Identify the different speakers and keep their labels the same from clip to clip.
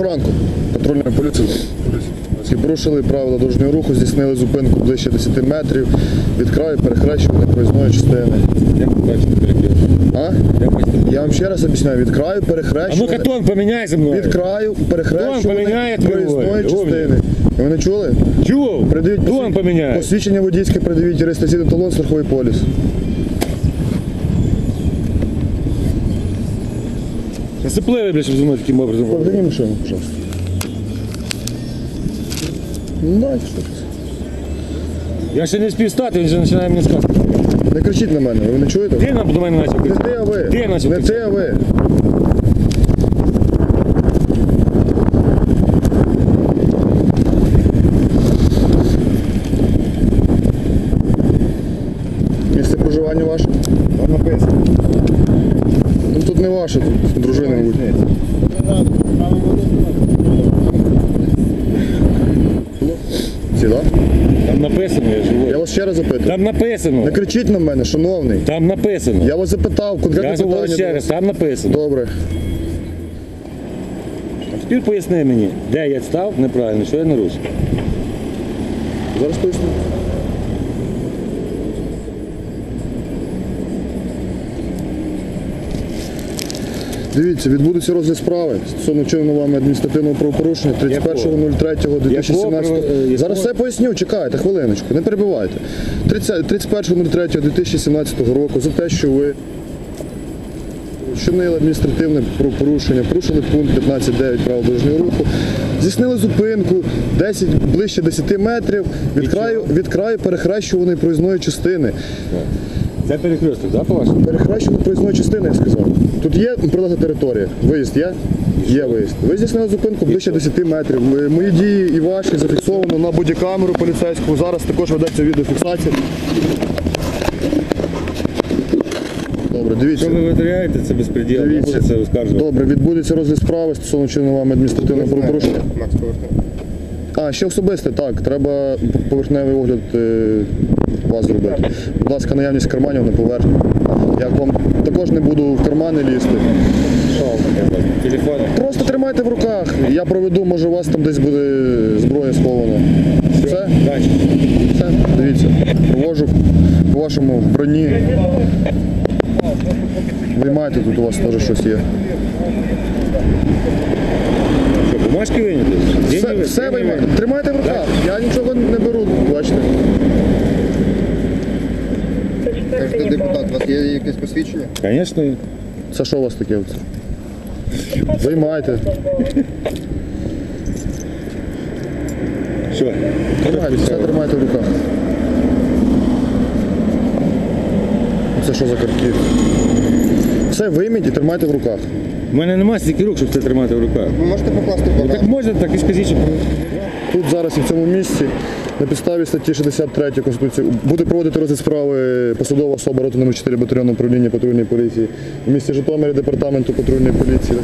Speaker 1: ранку. Патрульна поліція. І порушили правила дорожнього руху, здійснили зупинку ближче 10 метрів від краю перехрещування проїзної частини.
Speaker 2: Як ви бачите перехрестя?
Speaker 1: Я вам ще раз об'ясняю, від краю
Speaker 2: А
Speaker 1: перехрещування.
Speaker 2: ну-ка тон поміняй зі мною.
Speaker 1: Від краю
Speaker 2: Тон
Speaker 1: перехрещування
Speaker 2: поміняє
Speaker 1: проїзної
Speaker 2: твій
Speaker 1: частини. Ви не чули?
Speaker 2: Чув?
Speaker 1: Придивіть
Speaker 2: Тон поміняй.
Speaker 1: посвідчення водійське, придивіть реєстраційний талон, страховий поліс.
Speaker 2: Насипливий, блядь, щоб зі мною таким образом.
Speaker 1: Поверни машину, пожалуйста. Ну, дайте що.
Speaker 2: Я ще не встиг стати, він вже починає мені сказати.
Speaker 1: Не кричіть на мене, ви не чуєте?
Speaker 2: Ти до мене почав
Speaker 1: Не
Speaker 2: кричати.
Speaker 1: ти, а ви.
Speaker 2: Ти почав
Speaker 1: Не ти,
Speaker 2: кричати.
Speaker 1: а ви. Місце проживання ваше?
Speaker 2: Там написано.
Speaker 1: Ну тут не ваше, тут дружина, мабуть. Ці, да?
Speaker 2: Там написано, я
Speaker 1: Я
Speaker 2: живу.
Speaker 1: вас ще раз запитую.
Speaker 2: Там написано.
Speaker 1: Не кричіть на мене, шановний.
Speaker 2: Там написано.
Speaker 1: Я вас запитав, конкретне
Speaker 2: Я говорю
Speaker 1: питання.
Speaker 2: ще
Speaker 1: до
Speaker 2: раз,
Speaker 1: вас.
Speaker 2: там написано.
Speaker 1: Добре.
Speaker 2: А тепер поясни мені, де я став неправильно, що я нарушив.
Speaker 1: Зараз поясню. Дивіться, відбудеться розгляд справи стосовно вчиненого вами адміністративного правопорушення 31.03.2017. Зараз все поясню, чекайте, хвилиночку, не перебивайте. 31.03.2017 року за те, що ви вчинили адміністративне правопорушення, порушили пункт 15.9 правил дорожнього руху, здійснили зупинку ближче 10 метрів від краю перехрещуваної проїзної частини.
Speaker 2: Це перехресток, так, по-вашому?
Speaker 1: Перехрещуваної проїзної частини, я сказав. Тут є прилегла територія. Виїзд є? Є виїзд. Ви здійснили зупинку ближче 10 метрів. Мої дії і ваші зафіксовано на бодікамеру поліцейську. Зараз також ведеться відеофіксація. Добре, дивіться.
Speaker 2: Що ви витворяєте, це безпреділ, не
Speaker 1: Дивіться.
Speaker 2: буде це оскаржувати.
Speaker 1: Добре, відбудеться розгляд справи стосовно вчиненого вами адміністративного правопорушення.
Speaker 3: Макс, поверни.
Speaker 1: А, ще особисте, так. Треба поверхневий огляд вас зробити. Будь ласка, наявність карманів на поверхні. Я вам також не буду в кармани лізти.
Speaker 2: Що вам таке? Телефон?
Speaker 1: Просто тримайте в руках. Я проведу, може у вас там десь буде зброя схована. Все?
Speaker 2: Дальше.
Speaker 1: Все? Дивіться. Провожу по вашому броні. Виймайте, тут у вас теж щось є.
Speaker 2: Що, бумажки виняти?
Speaker 1: Все виймайте. Тримайте в руках. Я нічого не беру, бачите.
Speaker 3: Кажете, депутат, у вас є якесь посвідчення?
Speaker 2: Звісно.
Speaker 1: Це що у вас таке? Виймайте.
Speaker 2: Що?
Speaker 1: Тримайте, все тримайте в руках. Це що за картки? Все вийміть і тримайте в руках.
Speaker 2: У мене немає стільки рук, щоб це тримати в руках.
Speaker 3: Ви можете покласти
Speaker 2: Ну,
Speaker 3: багато?
Speaker 2: так можна, так і скажіть, що...
Speaker 1: Тут зараз і в цьому місці на підставі статті 63 Конституції буде проводити розгляд справи посадова особа роти номер 4 батальйону управління патрульної поліції в місті Житомирі департаменту патрульної поліції.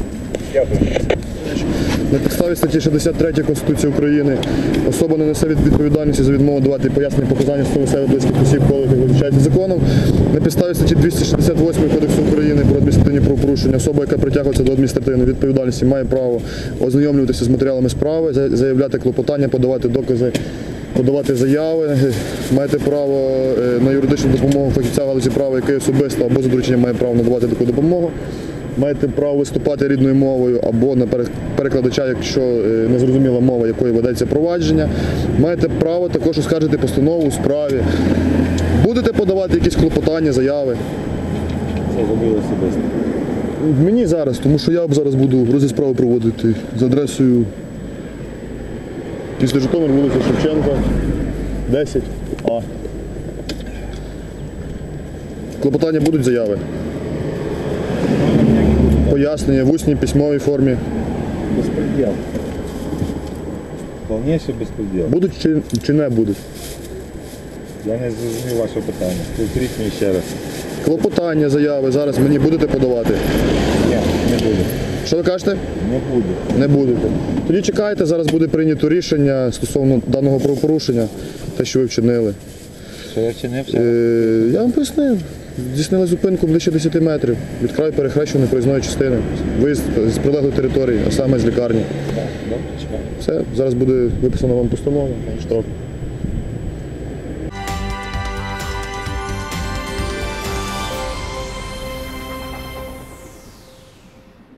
Speaker 1: На підставі статті 63 Конституції України особа не несе відповідальності за відмову давати пояснення показання стосовно себе близьких осіб, коли їх визначається законом. На підставі статті 268 Кодексу України про адміністративні правопорушення особа, яка притягується до адміністративної відповідальності, має право ознайомлюватися з матеріалами справи, заявляти клопотання, подавати докази, подавати заяви. Маєте право на юридичну допомогу фахівця в галузі права, який особисто або за дорученням має право надавати таку допомогу. Маєте право виступати рідною мовою або на перекладача, якщо незрозуміла мова, якою ведеться провадження. Маєте право також оскаржити постанову у справі. Будете подавати якісь клопотання, заяви.
Speaker 2: Це зробили особисто.
Speaker 1: Мені зараз, тому що я зараз буду розгляд справи проводити за адресою після Житомир, вулиця Шевченка, 10А. Клопотання будуть, заяви? Пояснення в усній письмовій формі.
Speaker 2: Безпреділ. Повніший безпреділ.
Speaker 1: Будуть чи не будуть?
Speaker 2: Я не зрозумів ваше питання. Повторіть мені ще раз.
Speaker 1: Клопотання, заяви зараз мені будете подавати?
Speaker 2: Ні, не буду.
Speaker 1: Що ви кажете?
Speaker 2: Не буду.
Speaker 1: Не будете. Тоді чекайте, зараз буде прийнято рішення стосовно даного правопорушення, те, що ви вчинили.
Speaker 2: Що я вчинив?
Speaker 1: Я вам пояснив. Здійснили зупинку ближче 10 метрів від краю перехрещеної проїзної частини. Виїзд з прилеглої території, а саме з лікарні.
Speaker 2: Добре, чекаю.
Speaker 1: Все, зараз буде виписана вам постанова, штраф.